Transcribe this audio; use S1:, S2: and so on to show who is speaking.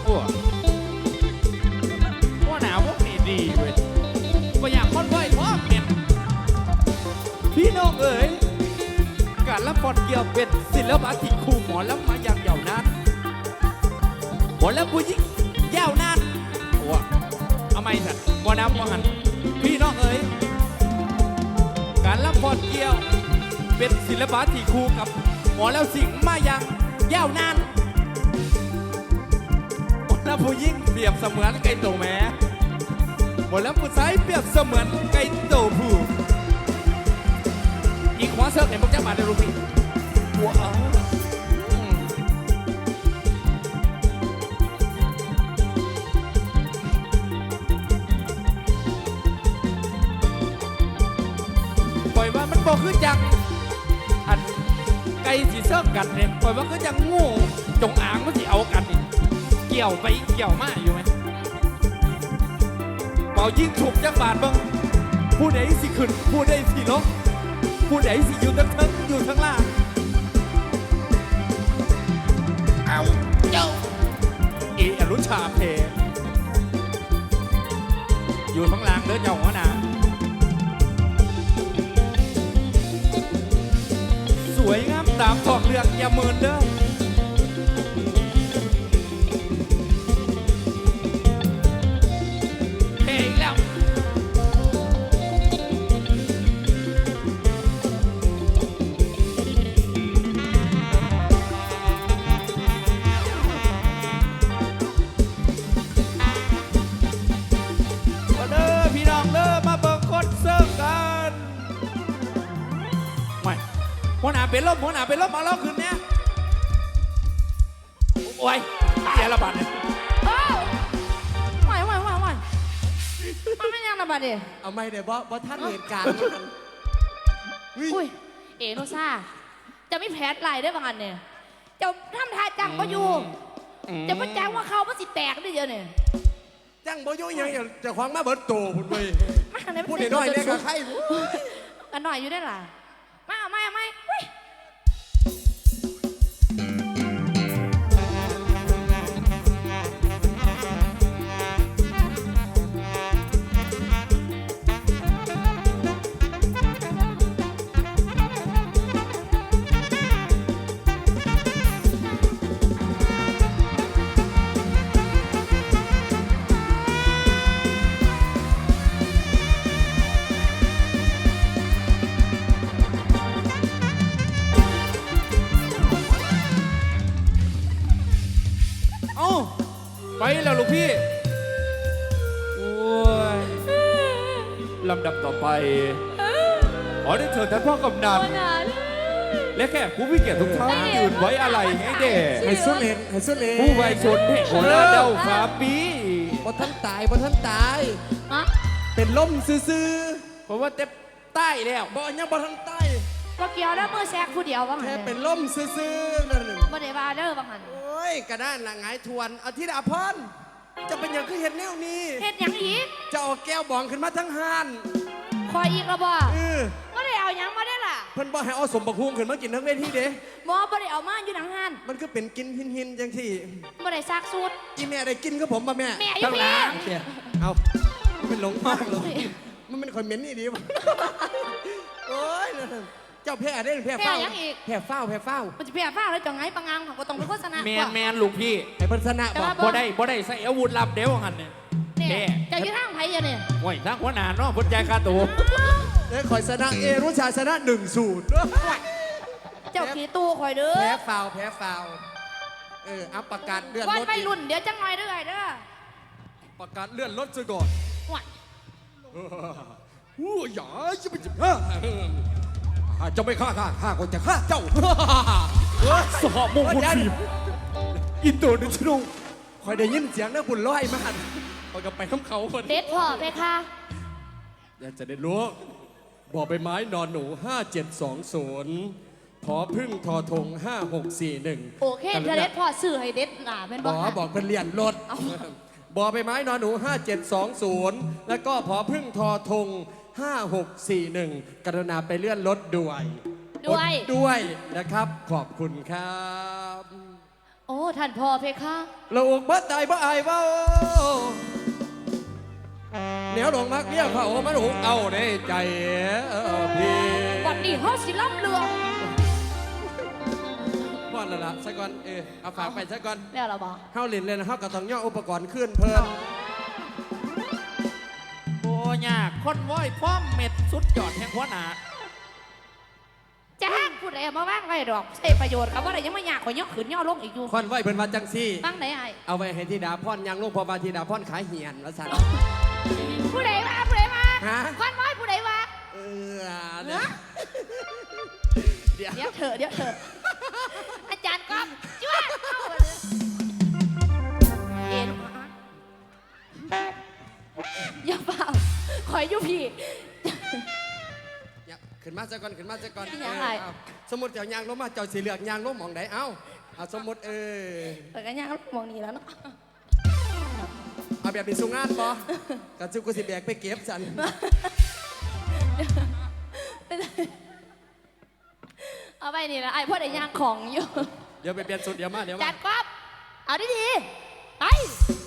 S1: ว่าหนาวพวกนี้ดีเว้ยก็อยากคอนไว้เพราะเห็นพี่น้องเอ๋ยการละครเกี่ยวเป็นศิลปะที่คู่หมอลำมาอย่างยาวนานหมอลำผู้หญิงยาวนานว้าเอาไม่สัตว์บ่น้ำบ่หันพี่น้องเอ๋ยการละครเกี่ยวเป็นศิลปะที่คู่กับหมอแล้วสิ่งมาอย่างยาวนานหมอแล้วผู้หญิงเปรียบเสมือนไก่โตแม่หมอแล้วผู้ชายเปรียบเสมือนไก่โตผู้อีกหัวเสิร์ฟเนี่ยพวกเจ้ามาในรูปนี้ว้าวปล่อยว่ามันบอกคือจังอันไก่สีเสิร์ฟกันเนี่ยปล่อยว่าคือจังงูจงอางมันสิเอากันนี่เกี่ยวไปเกี่ยวมาอยู่ไหมเป่ายิงถูกจังบาดบ้างผู้ใดสิขึ้นผู้ใดสิลงผู้ใดสิอยู่ทั้งอยู่ทั้งล่างเอาเจ้าอนุชาเพอยู่ทั้งล่างเด้อเจ้าหัวหน้าสวยงามตามทองเรืองอย่าเมินเด้อเพอีกแล้วหัวหน้าเป็นลมหัวหน้าเป็นลมมาแล้วคืนนี้โอ้ยเสียระบาดเนี่ย
S2: ไหวมันไม่ยังระบาดเดี๋ย
S3: เอาไม่เดี๋ยวบ่ท่านเหตุการณ์
S2: อุ้ยเอโนซ่าจะไม่แพ้ลายได้บางอันเนี่ยจะทำท่าจังบ่อยู่จะมาจ้างว่าเขาบ่สิแตกได้เยอะเนี่ย
S3: จังบ่อยู่ยังจะคว้างมาเบิดโตพุ่นเว้ยพูดน้อยเนี่ยกับใคร
S2: กันหน่อยอยู่ได้ล่ะไม่
S1: ไปแล้วลูกพี่โอ้ยลำดับต่อไปขอได้เชิญท่านพ่อกำนันและแขกผู้มีเกียรติทุกท่านยืนไว้อะไรให้เด็ก
S3: ให้สุดเลน
S1: ผู้ไวชนแห่งโคราชเดาฟ้าปี
S3: บ่ท่านตายเป็นล่มซื่อ
S1: เพราะว่าเต็มใต้แล้ว
S3: บ่ยังบ่ท่านตาย
S2: ก็เกี่ยวแล้วมือแซกผู้เดียวบ้าง
S3: แค่เป็นล่มซื่อนั่นหนึ่ง
S2: บ่ได้บาเด้อบ้างหัน
S3: โอ้ยกระด้านหลังหายทวนเอาที่ดาพรจะเป็นอย่างคือเห็ดแนวนี้
S2: เห็ดอย่างอีก
S3: จะเอาแก้วบองขึ้นมาทั้งห้าน
S2: คอยอีกระบ่ก็ได้เอาอย่างมาได้ล่ะ
S3: เพิ่นบ่ให้เอาสมบักฮุงขึ้นมากินทั้งเวทีเด้
S2: บ่ได้เอามาอยู่หนังห้าน
S3: มันก็เป็นกินหินจังที่
S2: บ่ได้ซากสูตร
S3: อีแม่ได้กินกับผมป่ะแม่
S2: ทั้งหลัง
S3: เอาเป็นหลงมากเลยมันเป็นคนเหม็นนี่ดีป่ะโอ้ยเจ้าแพ้ได้แพ้เฝ้าแพ้เฝ้า
S2: มันจะแพ้เฝ้าแล้วจังไงปังงังของก็ต้องเป็นโฆษณา
S1: แมนลูกพี่
S3: ไอ้พัฒนาบอก
S1: บ่ได้ใส่อาวุธลับเดี๋ยวหันเนี่ย
S2: จะยืดทางไผ่ยังเนี่ย
S1: โอ้ยทางหัวหน้าเนาะพุทธใจคาตัว
S3: คอยชนะรุ่ชาชนะ1-0
S2: เจ้าขี่ตู้คอยเด้อ
S3: แพ้เฝ้าเอาประกาศเลื่อนรถ
S2: ไปรุ่นเดี๋ยวจังหน่อยเด้อ
S3: ประกาศเลื่อนรถซะก่อนอย่าจะไปจับจะไม่ฆ่าก็จะฆ่าเจ้า
S1: สอบมงคลทีมอินโดนีเซีย
S3: คอยได้ยินเสียงนะบุญร้อยมากคอยกับไปข้ามเขาคน
S2: เด็ดพ่อไปค่ะ
S3: อยากจะได้รู้บ่อใบไม้นอนหนู5720ผอพึ่งทอทง5641
S2: โอเคเด็ดพ่อสื่อให้เด็ดเป็น
S3: บอกเป็นเรียนรถบ่อใบไม้นอนหนู5720แล้วก็ผอพึ่งทอทง5641กรุณาไปเลื่อนรถด้วยนะครับขอบคุณครับ
S2: โอ้ท่านพ่อเพคะ
S3: ลูกบ่ใจบ่อายเว้าเหนียวดงมักเมียเขามันหุกเอาในใจพี่
S2: วันนี้เฮาสิล่ำเรือง
S3: พ่อละละซะก่อนเอาฝากไปซะก่อน
S2: แล้วล่ะบ่
S3: เฮาเล่นเลยนะเฮาก็ต้องย่ออุปกรณ์ขึ้นเพิ่ม
S1: โอ้ยากคนว้อยพ่อมเม็ดสุดยอดแห่งหัวหน้า
S2: จ้างผู้ใดเอามาว่างไว้ดอกใช้ประโยชน์กับว่าได้ยังไม่อยากข่อยย่อขึ้นย่อลงอีกอยู่
S3: คอนไว้เพิ่นว่าจังซี่
S2: ตั้งไหนไอ้
S3: เอาไว้ให้ธิดาพรยังลูกพอบาธิดาพรขายเหียนว่าซั่น
S2: ผู้ใดว่าผู้ใดว่า
S3: ฮะ
S2: ควันไว้ผู้ใดว่า
S3: เนี่ยเดี๋ยว
S2: เดี๋ยวเถอะเดี๋ยวเถอะอาจารย์ก๊อฟจ้วงเข้ามาเลยเอ็นอย่าเปล่าคอยอยู่พี่
S3: ขึ้นมาซะก่อนขึ้นมาซะก่อน
S2: เป็นหยังไง
S3: เอาสมมุติเจ้ายางลงมาเจ้าสิเลือกยางลงหม่องใดเอาสมมุติ
S2: เปิดกันยังมองนี่แล้วเนาะ
S3: เอาแบบนี้สู่งานบ่กะจุกูสิแบกไปเก็บซั่น
S2: เอาไปนี่นะไอ้พ่อได้ย่างของอยู่
S3: เดี๋ยวไปเปลี่ยนสุดเดี๋ยวมาเดี๋ยว
S2: จั
S3: มา
S2: ดก๊อฟเอาดีๆไป